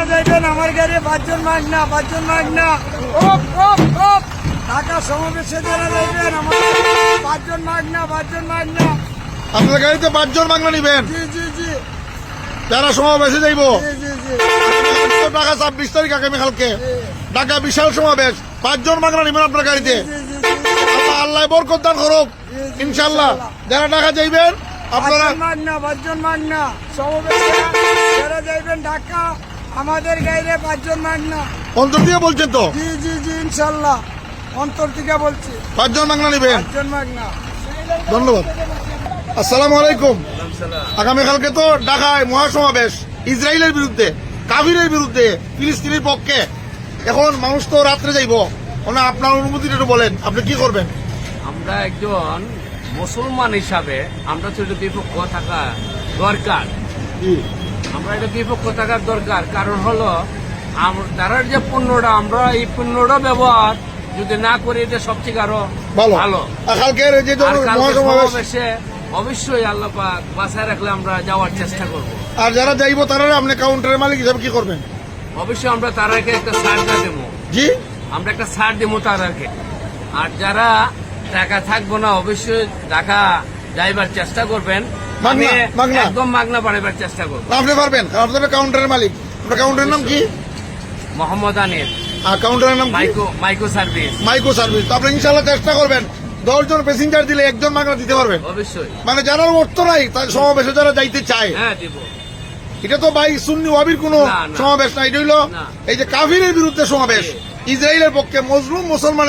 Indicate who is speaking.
Speaker 1: যারা যাইবেন আমার গাড়ি 5 জন মাগনা 5 জন মাগনা। ঢাকা সমাবেশে যারা যাইবেন আমার 5 জন মাগনা 5 জন মাগনা।
Speaker 2: আপনার গাড়িতে 5 জন বাংলা নিবেন
Speaker 1: জি জি জি
Speaker 2: যারা সমাবেশে যাইব।
Speaker 1: জি জি জি
Speaker 2: ঢাকা 26 তারিখ আগামীকালকে ঢাকা বিশাল সমাবেশ, 5 জন বাংলা নিবেন আপনার গাড়িতে। আল্লাহ আল্লাহ বরকত দান করুক ইনশাআল্লাহ। যারা ঢাকা যাইবেন আপনারা
Speaker 1: 5 জন মাগনা সমাবেশে যারা যাইবেন ঢাকা আমাদের গাড়িতে 5 জন মাগনা।
Speaker 2: অন্তর দিয়ে বলছেন তো?
Speaker 1: জি জি জি ইনশাআল্লাহ অন্তর থেকে বলছি
Speaker 2: 5 জন বাংলা নিবেন।
Speaker 1: 5 জন মাগনা।
Speaker 2: ধন্যবাদ। আসসালামু আলাইকুম। আগামীকালকে তো ঢাকায় মহাসমাবেশ, ইসরায়েলের বিরুদ্ধে, কাফিরের বিরুদ্ধে, ফিলিস্তিনের পক্ষে। এখন মানুষ তো রাত্রে যাইব, আপনার অনুমতিটা একটু বলেন, আপনি কি করবেন?
Speaker 3: আমরা একজন মুসলমান হিসাবে আমরা তো এটা বিপক্ষ থাকা দরকার। আমরা এটা বিপক্ষ থাকার দরকার, কারণ হলো তারা যে পণ্যটা আমরা এই পণ্যটা ব্যবহার যদি না করি এটা সবচেয়ে আরো ভালো।
Speaker 2: কালকের যে
Speaker 3: আর কালকে
Speaker 2: মহাসমাবেশ,
Speaker 3: সমাবেশে অবশ্যই আল্লাহ পাক বাঁচায় রাখলে আমরা যাওয়ার চেষ্টা করব।
Speaker 2: আর যারা যাইব তারা আপনি কাউন্টারের মালিক হিসাবে কি করবেন?
Speaker 3: অবশ্যই আমরা তারাকে একটা ছাড় দেবো।
Speaker 2: জি,
Speaker 3: আমরা একটা ছাড় দেবো তারাকে। আর যারা টাকা থাকবো না অবশ্যই টাকা যাইবার চেষ্টা করবেন। আমি
Speaker 2: মাগনা।
Speaker 3: একদম মাগনা বাড়াইবার চেষ্টা করবো।
Speaker 2: আপনি পারবেন, কারণ আপনার কাউন্টারের মালিক। আপনার কাউন্টারের নাম কি?
Speaker 3: মোহাম্মদ আনিস,
Speaker 2: আর কাউন্টারের নাম কি?
Speaker 3: মাইকো সার্ভিস।
Speaker 2: মাইকো সার্ভিস। তো আপনি ইনশাআল্লাহ চেষ্টা করবেন 10 জন প্যাসেঞ্জার দিলে 1 জন মাগনা দিতে পারবেন।
Speaker 3: অবশ্যই।
Speaker 2: মানে যারা অর্থ নাই তার সমাবেশে যারা যাইতে চায়,
Speaker 3: হ্যাঁ দিব।
Speaker 2: এটা তো ভাই সুন্নি ওয়াবির কোনো
Speaker 3: না, না।
Speaker 2: সমাবেশ না, এটা হইলো
Speaker 3: না।
Speaker 2: এই যে কাফিরের বিরুদ্ধে সমাবেশ, ইসরায়েলের পক্ষে মজলুম মুসলমান